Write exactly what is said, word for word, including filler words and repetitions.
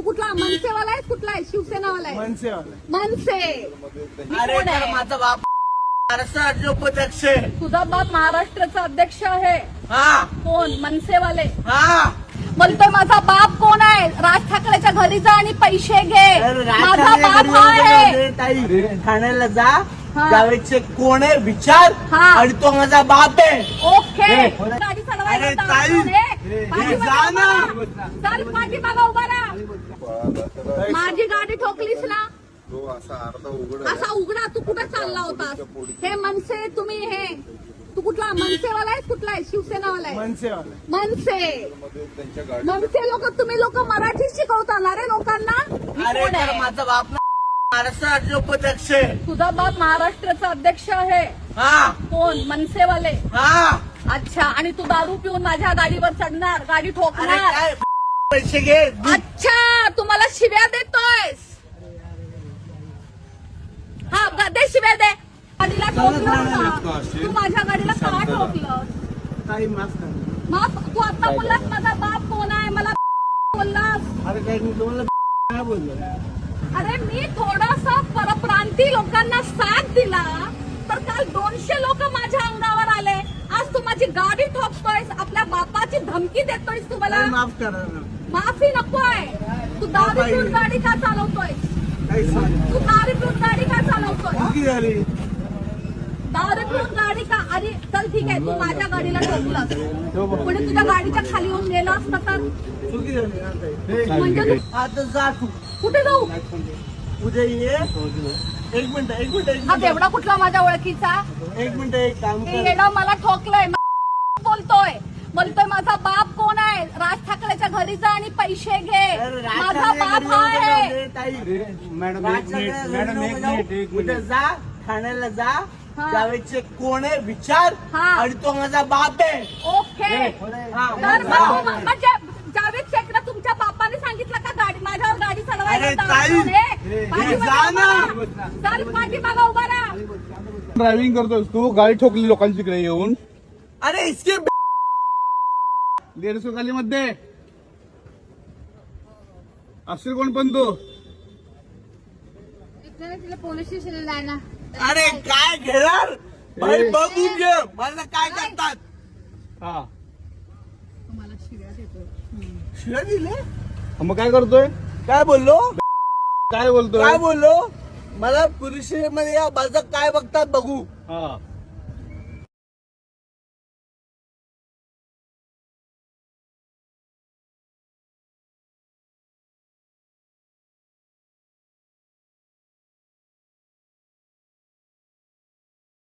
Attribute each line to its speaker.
Speaker 1: कुठला मनसेवाला आहे कुठला आहे शिवसेनावाला आहे
Speaker 2: मनसेवाला
Speaker 1: मनसे
Speaker 3: अरे
Speaker 1: कोण
Speaker 3: तर
Speaker 1: आहे?
Speaker 3: माझा बाप महाराष्ट्र राज्य उपाध्यक्ष आहे.
Speaker 1: तुझा बाप महाराष्ट्राचा अध्यक्ष आहे
Speaker 3: हा
Speaker 1: कोण मनसेवाले
Speaker 3: हा
Speaker 1: बोलतोय माझा बाप कोण आहे राज ठाकरेच्या घरी जा आणि पैसे घे
Speaker 3: अरे राज
Speaker 1: माझा
Speaker 3: ठाकरे
Speaker 1: बाप
Speaker 3: घरी
Speaker 1: हा
Speaker 3: येऊन
Speaker 1: आहे
Speaker 3: गेले, ताई ठाण्याला जा
Speaker 1: हा.
Speaker 3: जावेदचे कोण आहे विचार
Speaker 1: हा.
Speaker 3: आणि तो माझा बाप आहे.
Speaker 1: ओके
Speaker 3: हे.
Speaker 1: गाडी
Speaker 3: अरे
Speaker 1: चालवायला
Speaker 3: ताई.
Speaker 1: जाऊ दे.
Speaker 3: हे,
Speaker 1: पाठीमागे
Speaker 3: जा ना.
Speaker 1: उभा राहा. चल पाठीमागे उभा राहा. माझी गाडी ठोकलीस ना
Speaker 4: तो असा अर्धा उघड
Speaker 1: असा उघडा तू कुठे चालला होतास हे मनसे तुम्ही हे तू कुठला मनसेवाला आहे कुठला आहे शिवसेनावाला आहे
Speaker 2: मनसेवाला
Speaker 1: मनसे
Speaker 4: मध्ये त्यांच्या गाडी
Speaker 1: मनसे लोक तुम्ही लोक मराठी शिकवता ना रे लोकांना
Speaker 3: अरे
Speaker 1: कोण
Speaker 3: तर
Speaker 1: आहे?
Speaker 3: माझा बाप महाराष्ट्र राज्य उपाध्यक्ष आहे.
Speaker 1: तुझा बाप महाराष्ट्राचा अध्यक्ष आहे
Speaker 3: हा
Speaker 1: कोण मनसेवाले
Speaker 3: हा
Speaker 1: अच्छा आणि तू दारू पिऊन माझ्या गाडीवर चढणार गाडी
Speaker 3: अरे
Speaker 1: ठोकणार
Speaker 3: काय पैसे घे
Speaker 1: अच्छा तुम्हाला शिव्या देतोयस हा ग- दे शिव्या दे गाडीला ठोकलं का? तू माझ्या गाडीला का ठोकलं
Speaker 2: काही माफ करा.
Speaker 1: मग तू आता बोललास माझा बाप कोण आहे मला बोललास
Speaker 2: अरे काय मी तुम्हाला काय बोललो
Speaker 1: अरे मी थोडासा परप्रांती लोकांना साथ दिला तर काल दोनशे लोक माझ्या अंगावर आले आज तू माझी गाडी ठोकतोयस आपल्या बापाची धमकी देतोयस तू मला
Speaker 2: काही माफ करा ना.
Speaker 1: माफी नकोय तू दारू पिऊन गाडी का चालवतोय
Speaker 2: काही सांग
Speaker 1: तू दारू पिऊन गाडी का चालवतोय
Speaker 2: चुकी झाली
Speaker 1: दारू पिऊन गाडी का अरे चल ठीक आहे तू माझ्या गाडीला ठोकलास पुढे तुझ्या गाडीच्या खाली येऊन गेला असता तर
Speaker 2: चुकी झाली ना ताई.
Speaker 1: म्हणजे तू
Speaker 3: आता जा तू
Speaker 1: कुठे जाऊ
Speaker 3: उद्या ये एक मिनिट एक मिनिट एक
Speaker 1: हा
Speaker 3: मिनिट
Speaker 1: तेवढा कुठला माझ्या ओळखीचा
Speaker 3: एक मिनिट एक काम
Speaker 1: हे
Speaker 3: कर
Speaker 1: येडा मला ठोकलंय बोलतोय बोलतोय माझा बाप कोण आहे राज ठाकरेच्या घरी जा आणि पैसे घे
Speaker 3: अरे राज
Speaker 1: माझा
Speaker 3: ठाकरे
Speaker 1: बाप
Speaker 3: घरी
Speaker 1: हा
Speaker 3: येऊन
Speaker 1: आहे
Speaker 3: गेले, ताई
Speaker 2: मॅडम
Speaker 3: राज
Speaker 2: एक मिनिट
Speaker 3: ठाकरे
Speaker 2: मॅडम
Speaker 3: घरी
Speaker 2: एक
Speaker 3: नको
Speaker 2: मिनिट
Speaker 3: जाऊ.
Speaker 2: एक
Speaker 3: उद्या
Speaker 2: मिनिट
Speaker 3: जा ठाण्याला जा
Speaker 1: हा.
Speaker 3: जावेदचे कोण आहे विचार
Speaker 1: हा.
Speaker 3: आणि तो माझा बाप आहे.
Speaker 1: ओके
Speaker 3: हा,
Speaker 1: तर
Speaker 3: जा.
Speaker 1: मग तू- म्हणजे जावेद शेखला तुमच्या बापाने सांगितलं का गाडी माझ्यावर गाडी चालवायला
Speaker 3: अरे
Speaker 1: जाऊ
Speaker 3: ताई.
Speaker 1: नये?
Speaker 3: हे,
Speaker 1: पाठीमागे
Speaker 3: जा
Speaker 1: उभा
Speaker 3: ना.
Speaker 1: राहा. चल पाठीमागे उभा राहा
Speaker 2: ड्रायव्हिंग करतोस तू गाडी ठोकली लोकांची तिकडे येऊन
Speaker 3: अरे इसके
Speaker 2: दीडशे खाली मध्ये असेल कोण पण तू
Speaker 5: तिला पोलीस स्टेशनला जाय ना
Speaker 3: अरे काय घेणार भाई बघून घे मला काय करतात
Speaker 2: हा
Speaker 3: शिव्या दिले
Speaker 2: मग काय करतोय
Speaker 3: काय बोललो
Speaker 2: काय बोलतोय
Speaker 3: काय बोललो मला पुरुष मध्ये या माझं काय बघतात बघू
Speaker 2: हा